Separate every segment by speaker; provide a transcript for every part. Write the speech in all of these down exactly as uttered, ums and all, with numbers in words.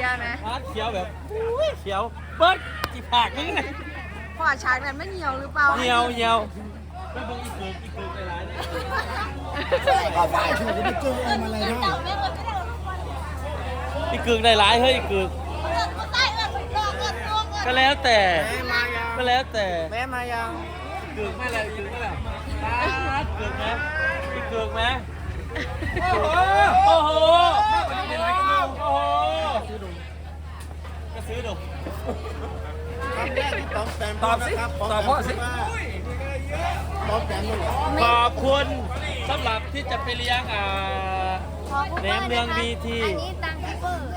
Speaker 1: ยไหม
Speaker 2: เขียวแบบเขียวเปิ้ลจีผักนี่ไง
Speaker 1: พอฉากนั้นไม่เหี่ยวหรือเปล่า
Speaker 2: เหี่ยวเหี่ยวไม่เบิ่งอีกเกินอีกเกินหลายๆเนี่ย
Speaker 3: เอาไปคือจะไปเจอเอามาอะไรได้
Speaker 2: อีกเกินหลายๆเฮ้ยอีกเกินก็แล้วแต่ก็แล้วแต่
Speaker 3: แม่มายัง
Speaker 2: เกินไม่แล้วเกินไม่แล้วเกินไหมอีกเกินไหมโอ้โหโอ้โหก็ซื้อดู
Speaker 3: คำแรกที่ต้องแฟน
Speaker 2: ตอบสิตอบเพราะสิ
Speaker 3: ต้องแฟนด้วยเหรอ
Speaker 2: ขอบคุณสำหรับที่จะไปเลี้ยงอ่าแหนมเนืองบีที
Speaker 1: อันนี้ตังค์เปิด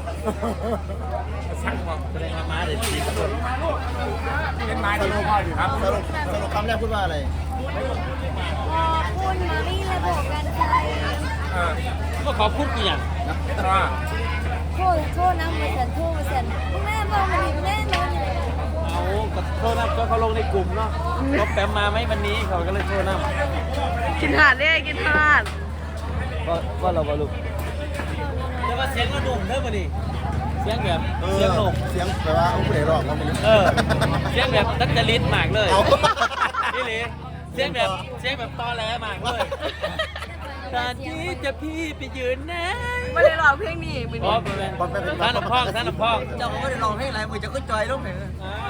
Speaker 2: สั่งความแสดงมาเด็ดดีทุกคน
Speaker 3: เป็นไม้ที่พ่ออยู่ครับสรุปสรุปคำแรกพูดว่าอะไร
Speaker 1: ขอบคุณมารีและบอกกันใจ
Speaker 2: ก็ขอบคุณกี่อย่าง
Speaker 1: โทษโทษนะมาเสียนโทษมาเสียนแม่บอกมาดิแม่นอน
Speaker 2: เอาก็โทษนะก็เขาลงในกลุ่มเนาะก็แปมมาไหมวันนี้เขาก็เลยโทษนะ
Speaker 1: กินหาดเลยกินหาด
Speaker 2: ก็ก็เราบอลุกแต่ว่าเสียงก็ดุ่มเท่ามาดิเสียงแบบเสียงหนุ่ม
Speaker 3: เสียงแปลว่าผู้ใดร้องก็ไม่รู้
Speaker 2: เออเสียงแบบนักจริตมากเลยนี่เลยเสียงแบบเสียงแบบตอแหลมากเลยตอนที่จะพี่ไปยืนนะ
Speaker 1: ไม่ได้ร้องเพลงนี้มือนี้
Speaker 2: ท่านหลวงพ่อท่านหลวงพ่อ
Speaker 3: เจ้าก็ไม่ได้ร้องเพลงอะไรมือจะก็จอยลูกเหรอ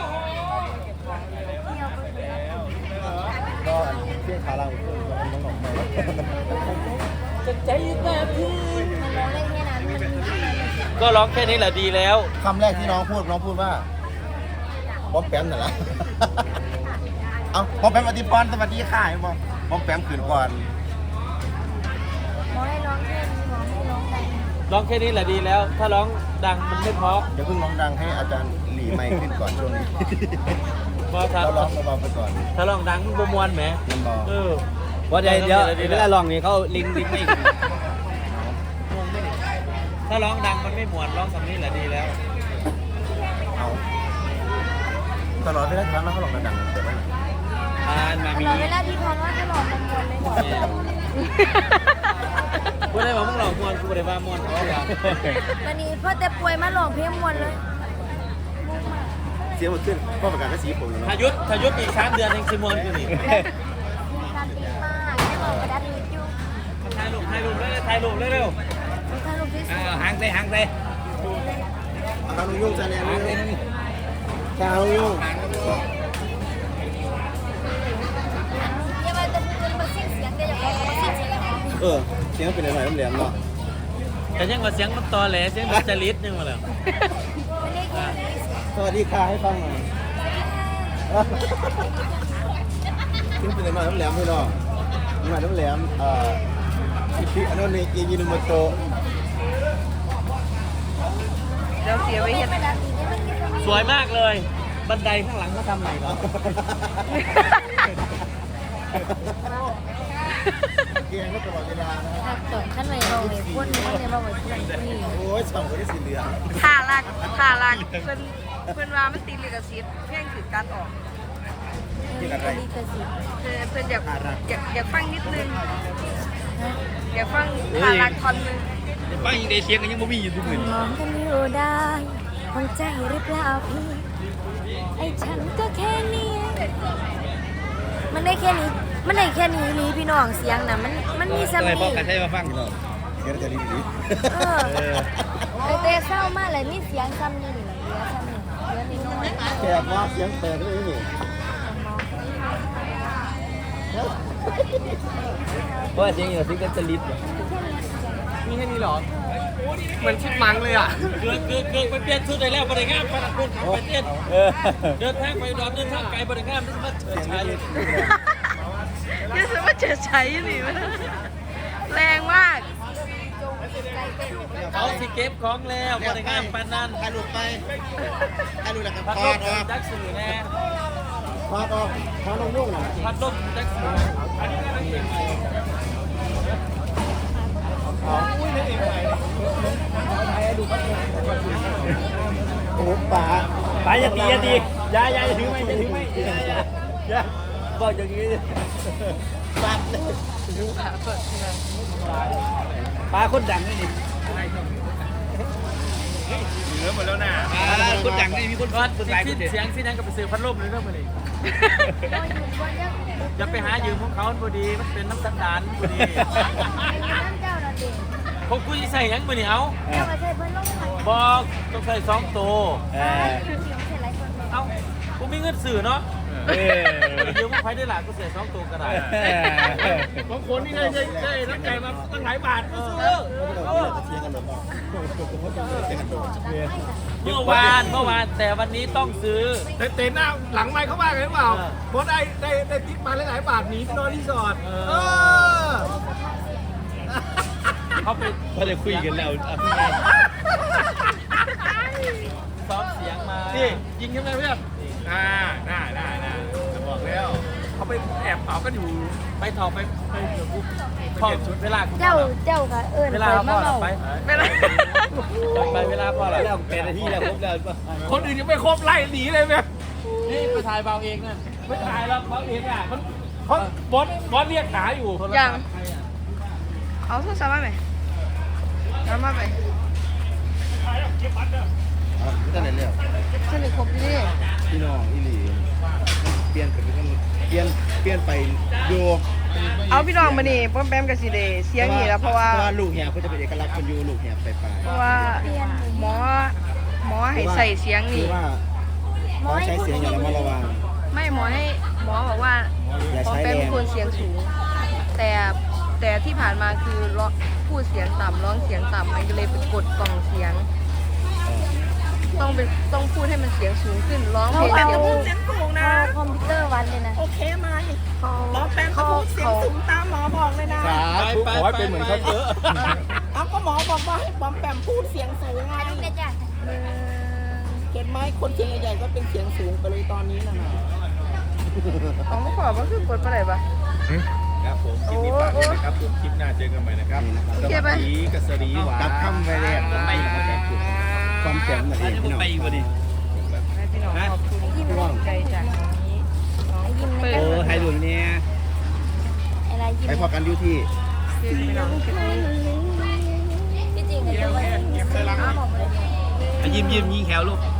Speaker 3: ก็เที่ยงขาเราเพื่อนน้องหนุ่มไป
Speaker 2: จะใจแต่พี่ก็ร้องแค่นี้แหละดีแล้ว
Speaker 3: คำแรกที่น้องพูดน้องพูดว่าบอมแปมน่ะล่ะเอาบอมแปมอธิพรสวัสดีค่ะบอมบอมแปมขืนก่อน
Speaker 1: มอให้ร้องแค่นี้มอให้ร้องดัง
Speaker 2: ร้องแค่นี้แหละดีแล้ว ถ้าร้องดังมันไม่เพราะ
Speaker 3: อย่าเพิ่งร้องดังให้อาจารย์หลีไมค์ขึ้นก่อนช่วงนี้เราร้องเบาๆไปก่อน
Speaker 2: ถ้าร้องดังมันบมวนไหม
Speaker 3: มันเบา
Speaker 2: เออ
Speaker 3: ว่าเดี๋ยวเดี๋ยวเวลาร้องนี่เขาลิงลิงไม่
Speaker 2: ถ้าร้องดังมันไม่มวนร้องคำนี้แหละดีแล้ว
Speaker 3: เอาตลอดเวลาที่เขาร้องดังๆเกิดอะไร
Speaker 2: อ่านมามี
Speaker 1: ตลอดเวลาที่พรว่าตลอดมันมวนเลยหมด
Speaker 2: กูได้บอกมึงหลอกมวนกูได้ว่ามวนเขาอย่าง
Speaker 1: วันนี้พ่อแต่ป่วยมาหลอกเพลงมวนเลย
Speaker 3: เสียงมันขึ้นพ่อประกาศก็สีผมแล้ว
Speaker 2: ทายุทธทายุทธอีกสามเดือนเองซิมวนกูนี่
Speaker 1: มีการตีมากแค่บอกกระดาษรีวิว
Speaker 2: ถ่ายรูปถ่ายรูปเลยถ่ายรูปเร็ว
Speaker 1: ๆถ่ายรูปที่สุด
Speaker 2: หางเตะหางเตะ
Speaker 3: หางยุ่งจะเนี่ยหางยุ่ง
Speaker 1: อย่ามาจะพูดมาเสียงเสียงแต่อย่าบอกมาเสียงเสียง
Speaker 3: เออเสียงเป็นอะไรแหลมเนาะ
Speaker 2: แต่ยังว่าเสียงมันตอแหลเสียงมันจริตนึงมาแล้ว
Speaker 3: สวัสดีค่ะให้ฟังหน่อยเสียงเป็นอะไรแหลมไม่เนาะมาน้ำแหลมเอ่อพี่อันนั้นเอยินุโมโตะ
Speaker 1: เดี๋ยวเสียไว้เห็น
Speaker 2: สวยมากเลยบันไดข้างหลังเขาทำใหม่เหรอ
Speaker 3: เกียร์ก็ตลอดเวลา
Speaker 1: นะครับต่อขั้นใหม่เราเลยพ่นพ่นเนี่ยเราเหมือนพ่นนี่
Speaker 3: โอ้ยสองคนที่สีเหลือง
Speaker 1: ท่าลักท่าลักเพื่อนเพื่อนว่ามันตีลิขสิทธิ์เพียงถือการออก
Speaker 3: ลิขสิทธิ์
Speaker 1: เพื่อนเพื่อนอยากอยากอยากฟังนิดนึงอยากฟังท่าลักท่อนนึง
Speaker 2: ฟังยังได้เสียงกันยังไม่มีอยู่ทุกคน
Speaker 1: มองกันอยู่ได้ห้องใจหรือเปล่าพี่ไอ้ฉันก็แค่นี้มันได้แค่นี้มันได้แค่นี้ลีพี่น้องเสียงนะมันมันมีสมี
Speaker 2: บอกกันใช่มาฟัง
Speaker 3: เดี๋ยวจะรีบรีบ
Speaker 1: เออเตะเศร้ามากเลยนี่เสียงซ้ำนี่เหลือซ้ำนี่เหลือนิดน้อย
Speaker 3: แขกว่าเสียงแตกเลยนี่
Speaker 2: เพราะเสียงอย่างที่กันจะลิดมีแค่นี้หรอเหมือนชุดมังเลยอ่ะเกิดเกิดเกิดไปเปลี่ยนชุดได้แล้วบริงามพนักงานไปเต้นเดินทางไปดอนเดินทางไกลบริงามนี่มันเฉิดฉาย
Speaker 1: นี่สมมติเฉิดฉายนี่มันแรงมาก
Speaker 2: เขาสิเก็บของแล้วบริงามปานนั้น
Speaker 3: ถ่ายรูปไปถ่ายรูปแล้วก็
Speaker 2: พัดลมจักสื่อแน่
Speaker 3: พัดออกพัดลมยุ่งนะ
Speaker 2: พัดลมจักสื่ออันนี้ก็เก่งใหม่
Speaker 3: โอ้ป๋า
Speaker 2: ป๋าอย่าตีอย่าตีอย่าอย่าถือไม่อย่าถือไม่อย่าบอกอย่างนี้
Speaker 3: ป๋า
Speaker 2: ป๋าคนดังนี่
Speaker 3: เหลือหมดแล้วนะ
Speaker 2: คนดังนี่มีคนวัดคนสิ้นเสียงสิ้นนั้นก็ไปซื้อพัดลมเลยเรื่องมันนี่จะไปหายืมของเขาพอดีมันเป็นน้ำสันดานพอดีผมคุยใส่ยังมือนี่เอาบอกต้องใส่สองตัวเอากูมีเงินสื่อเนาะยืมของใครได้หล่ะกูเสียสองตัวก็ได้บางคนนี่ได้ได้ได้น้ำใจมาตั้งหลายบาทก็ซื้อเมื่อวานเมื่อวานแต่วันนี้ต้องซื้อ
Speaker 4: แต่เต็นหน้าหลังไมค์เขาว่าไงหรือเปล่าเพราะได้ได้ได้ติ๊กมาหลายๆบาทหนีไปนอนรีสอร์ทเออ
Speaker 2: เขาไป
Speaker 5: เขาจะคุยกันแล้ว
Speaker 2: ซ้อมเสียงมา
Speaker 4: นี่ยิงใช่ไหมเพื่อนอ่าได้ได้ได้จะบอกแล้วเขาไปแอบเผากันอยู่
Speaker 2: ไปถอดไปไปเดี๋ยวกูถอดชุดเวลากู
Speaker 1: เจ้าเจ้าค่ะเอิญ
Speaker 2: เวลา
Speaker 1: คอย
Speaker 2: พ่
Speaker 1: มา
Speaker 2: อ
Speaker 1: เมา
Speaker 2: ไปเวลาไปเวลาพ่อ
Speaker 5: แล้ว
Speaker 2: แล้ว
Speaker 5: เป็นนาทีแล้วครบแล้วป่ะ
Speaker 4: คนอื่นยังไม่ครบไล่หนีเลยไหม
Speaker 2: นี่ไปถ่ายเบาเองนั่น
Speaker 4: ไม่ถ่ายแล้วเขาเองอ่ะมันเขาบอสบอสเรียกหาอยู่
Speaker 6: ยังเอาโทรศัพท์มาไหมเอามาไหม
Speaker 3: ไม่ได้เลย
Speaker 6: สนิทครบที่นี่
Speaker 3: พี่น้องอีหลีเปลี่ยนไปเป็นเปลี่ยนเปลี่ยนไปโย
Speaker 6: เอาพี่น้องมานี่ป้อมแปมกับสีเดเสียงนี่แล้วเพราะว่า
Speaker 3: เพราะว่าลูกเหียเขาจะเป็นเอกลักษณ์คนอยู่ลูกเหียไปไป
Speaker 6: เพราะว่าหมอหมอให้ใส่เสียง
Speaker 3: คื
Speaker 6: นี่
Speaker 3: อว่าเขาใช้เสียงอย่างระมัดระวัง
Speaker 6: ไม่หมอให้หมอบอกว่า
Speaker 3: อย่า
Speaker 6: ป้อม
Speaker 3: ใช้
Speaker 6: แป
Speaker 3: แร
Speaker 6: ม
Speaker 3: ง
Speaker 6: ควรเสียงสูง แต่แต่ที่ผ่านมาคือร้องพูดเสียงต่ำร้องเสียงต่ำมันก็เลยไปกดกล่องเสียง ต้องเป็นต้องพูดให้มันเสียงสูงขึ้นร้องเพลง
Speaker 1: เอา
Speaker 6: เสียง
Speaker 1: เอา
Speaker 6: สูง
Speaker 1: เอาคอมพิวเตอร์วันเลยนะ
Speaker 7: โอเคไหม
Speaker 6: เขา
Speaker 7: หมอแปมเขาพูดเสียงสูงตามหมอบอกเลยนะ
Speaker 3: สาธุขอให้เป็นเหมือนเขาเถอะ
Speaker 7: เอาก็หมอบอกว่าให้หมอแปมพูดเสียงสูงไงเห็นไหมคนเสียงใหญ่ๆก็เป็นเสียงสูงไปเลยตอนนี้นะนะ
Speaker 6: เขาไม่ขอว่าคือกดไปไหนปะ
Speaker 4: ครับผมคลิปนี้ฝากด้วยนะครับผมคลิปหน้าเจอกันใหม่นะครับ
Speaker 6: โอเคปะ
Speaker 4: สีกับสรีหวาน
Speaker 3: กับคำไปแรกไปความแข็งนั่นเองพี่น้อง
Speaker 5: ไปพอดี
Speaker 6: ให้พี่น้องขอบคุณที่กำลังใจจากนี้น้อง
Speaker 1: ยิ้ม
Speaker 6: เปิด
Speaker 5: โอ้ไทยหลุมเนี่ย
Speaker 1: อะไรยิ้ม
Speaker 3: ไปพอกันอยู่ที่
Speaker 6: คือพี่น้องคลิปนี้
Speaker 1: พี่จริงกับเจ้าอ้าวบอกเลย
Speaker 5: ยิ้มยิ้มยิงแขวลูก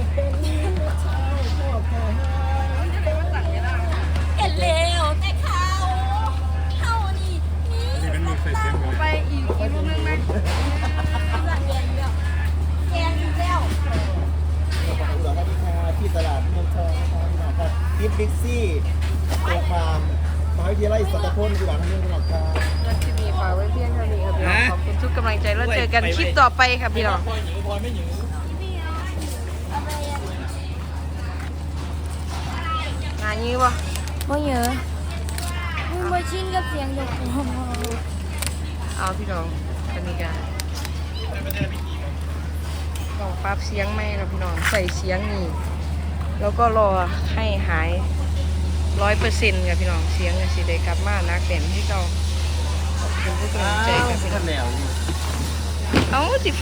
Speaker 1: เห็นเร็วแต่เขาเขานี่นี่
Speaker 6: ไปอีกอีกรูปนึงไหม
Speaker 1: แกงแล้ว
Speaker 3: สวัสดีค่ะที่ตลาดเมืองทองนะครับพี่น้องครับทิปบิ๊กซี่ตัวฟาร์มมหาวิทยาลัยสัตพลจังหวัดพะเยาพี่น้องครับ
Speaker 6: แล้วคลิปนี้ฝากไว้เพียงเท่านี้ครับพี่น้องขอบคุณทุกกำลังใจแล้วเจอกันคลิปต่อไปครับพี่น้อง
Speaker 2: พอหญิงพอไม่หญิง
Speaker 6: งานนี้วะ
Speaker 1: บ่เยอะมึงบ่ชินกับเสียงยกหัว
Speaker 6: เอาพี่น้องกันนี้กันลองปรับเสียงไหมครับพี่น้องใส่เสียงนี่แล้วก็รอให้หายร้อยเปอร์เซ็นต์ครับพี่น้องเสียงจะสิได้กลับมานักเด่นที่เราขอบคุณทุกกำลังใจครับพี่น้อง
Speaker 3: แล้ว
Speaker 6: เอาสิ